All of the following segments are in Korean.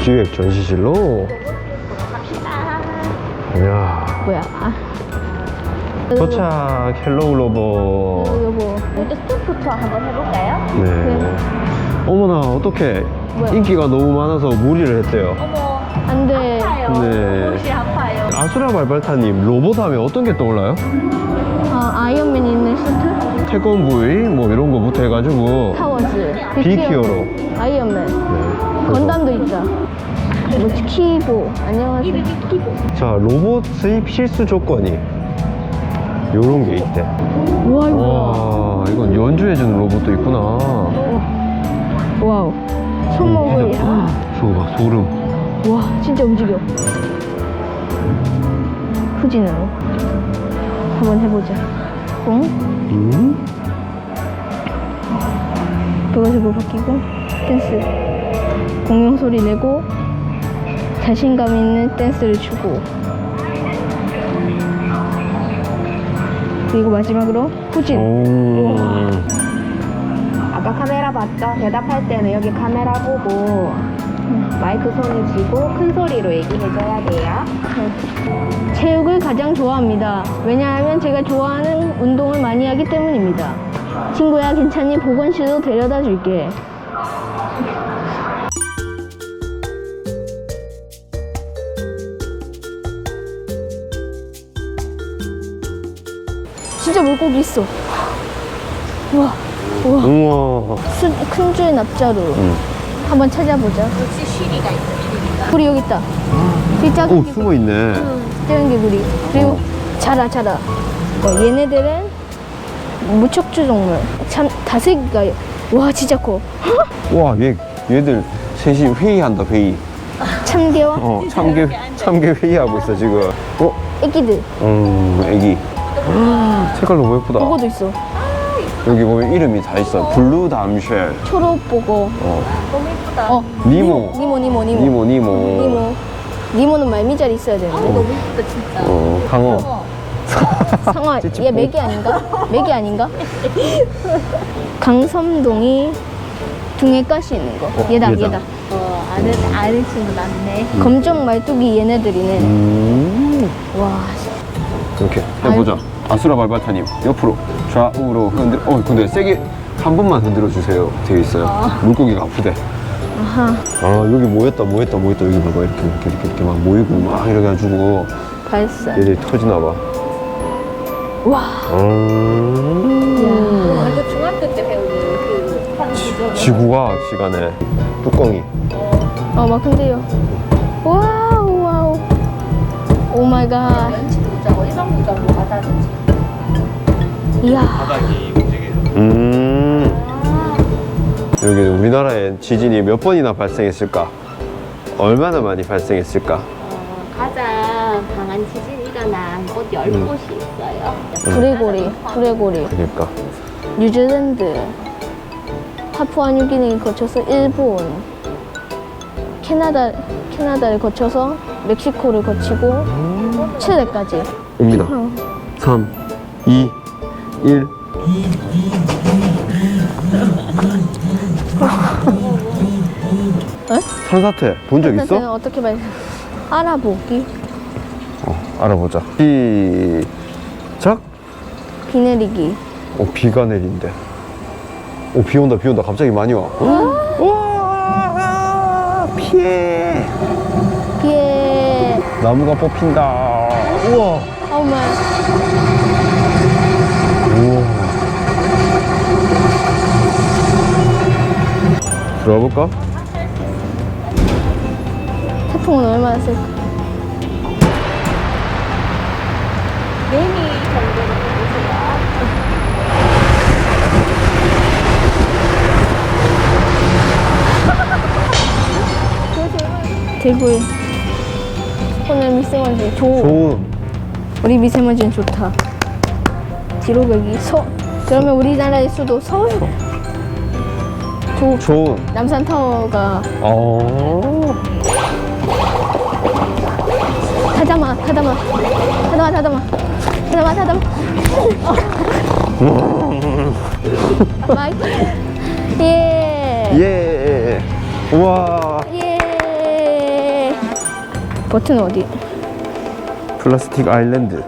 기획 전시실로. 이야. 뭐야? 도착. 헬로우 로봇. 여보, 먼저 스톱부터 한번 해볼까요? 네. 어머나, 어떡해. 뭐야? 인기가 너무 많아서 무리를 했대요. 어머, 안 돼. 네. 옷이 아파요. 아수라 발발타님, 로봇 하면 어떤 게 떠올라요? 아이언맨 있는 슈트? 태권브이 뭐 이런 거부터 해가지고 타워즈, 빅히어로. 아이언맨, 네. 건담도 있다. 뭐지? 키보. 안녕하세요. 자, 로봇 수입 실수 조건이 요런 게 있대. 우와, 이거. 와, 이건 연주해주는 로봇도 있구나. 와우. 손목을. 저거 봐, 소름. 와, 진짜 움직여. 후진으로. 한번 해보자. 응? 그것으로 바뀌고, 댄스. 공룡 소리 내고, 자신감 있는 댄스를 추고. 그리고 마지막으로 후진. 오. 아까 카메라 봤죠? 대답할 때는 여기 카메라 보고 마이크 손을 쥐고 큰 소리로 얘기해줘야 돼요. 체육을 가장 좋아합니다. 왜냐하면 제가 좋아하는 운동을 많이 하기 때문입니다. 친구야, 괜찮니? 보건실로 데려다 줄게. 진짜 물고기 있어. 우와, 우와. 우와. 큰 줄 납자루. 한번 찾아보자. 역시 쉬리가 있어. 구리 여기 있다. 이 작은 오, 개구리. 숨어있네. 작은 개구리. 그리고 자라. 얘네들은 무척추 동물. 참 다슬기가. 와, 진짜 커. 와, 얘들 셋이 회의한다, 회의. 참개와 참개 회의하고 있어, 지금. 애기들. 애기. 색깔 너무 예쁘다. 보고도 있어. 여기 보면 이름이 다 있어. 블루 담쉘. 초록보고. 너무 예쁘다. 니모. 니모. 니모는 말미잘 있어야 되는데. 너무 예쁘다 진짜. 강어. 상어. 얘 메기 아닌가? 메기 아닌가? 강섬동이 등에 가시 있는 거. 얘다. 아는 친구 많네. 검정 말뚝이 얘네들이네. 와. 이렇게 해보자. 아수라 발바타님 옆으로 좌우로 흔들. 근데 세게 한 번만 흔들어 주세요. 되어 있어요. 물고기가 아프대. 아하. 여기 모였다. 여기 봐봐. 이렇게 막 모이고 막 이래 가지고 발사. 얘들이 터지나 봐. 와. 이거 중학교 때 배우는 그 판이죠. 지구과학 시간에 뚜껑이. 막 흔들려. 와우. 오 마이 갓. 연치 보자고 일반 보자고 받아주지. 이야. 바닥이 움직여요. 여기 우리나라엔 지진이 몇 번이나 발생했을까? 얼마나 많이 발생했을까? 가장 강한 지진이 일어난 곳 10곳이 있어요. 구레고리. 그러니까. 뉴질랜드, 파푸아뉴기니 거쳐서 일본, 캐나다를 거쳐서 멕시코를 거치고 칠레까지. 옵니다. 3, 2, 1. 산사태 본 적 있어? 어떻게 말? 알아보기. 알아보자. 시작. 비 내리기. 비가 내린대. 비 온다. 갑자기 많이 와. 와, 피해. 비에. 나무가 뽑힌다. 우와. 어머. 우와. 들어가 볼까? 태풍은 얼마나 쓸까? 매미 정도로 보세요. 대구에. 오늘 미세먼지 좋은. 우리 미세먼지는 좋다. 뒤로 가기. 그러면 우리나라의 수도 서울. 좋은. 남산타워가. 타다마. 마이크. 예. 예. 우와. 예. 버튼 어디? 플라스틱 아일랜드.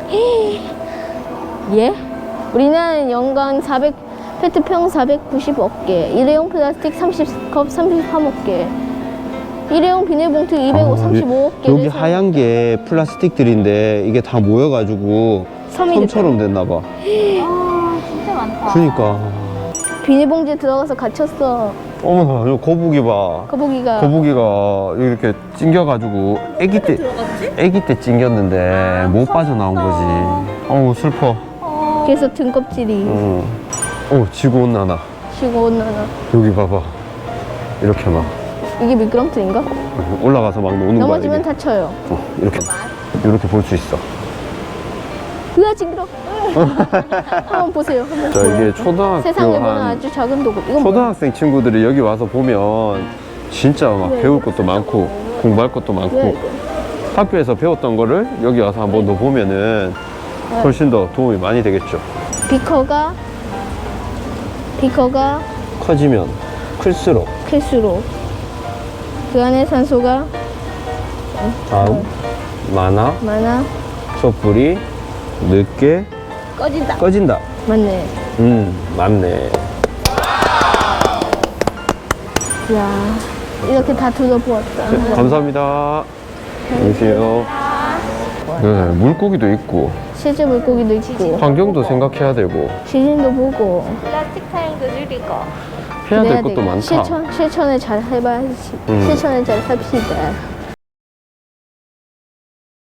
예? 우리는 연간 400 페트병 490억 개, 일회용 플라스틱 30컵 33억 개, 일회용 비닐봉투 235억 개. 여기 하얀 게 플라스틱들인데 이게 다 모여가지고 섬이 섬처럼 됐나봐. 아, 진짜 많다. 그러니까. 비닐봉지에 들어가서 갇혔어. 어머나, 이 거북이 봐. 거북이가. 거북이가 이렇게 찡겨가지고 애기 때 찡겼는데 못 빠져나온 거지. 어우, 슬퍼. 그래서 등껍질이 지구온난화. 지구온난화. 여기 봐봐. 이렇게 막 이게 미끄럼틀인가? 올라가서 막 노는 거야. 넘어지면 이게. 다쳐요. 이렇게 볼 수 있어. 으아 징그러. 한번 보세요. 한번 자, 보세요. 이게 초등학교 세상에 보는 한 아주 작은 도구. 이건 뭐야? 초등학생 친구들이 여기 와서 보면 진짜 막 배울 것도 많고 공부할 것도 뭐야 많고 이거? 학교에서 배웠던 거를 여기 와서 한 번 더 보면은 훨씬 더 도움이 많이 되겠죠. 비커가 커지면 클수록 클수록 그 안에 산소가 다음 많아 많아 촛불이 늦게 꺼진다. 꺼진다. 맞네. 맞네. 이야, 이렇게 다 둘러보았다. 네, 감사합니다. 안녕하세요. 네, 물고기도 있고 실제 물고기도 있고 환경도 생각해야 되고 지진도 보고 플라스틱 사용도 줄이고. 해야 그래야 될 것도 되겠다. 많다. 실천을 잘 해봐야지. 실천을 잘 합시다.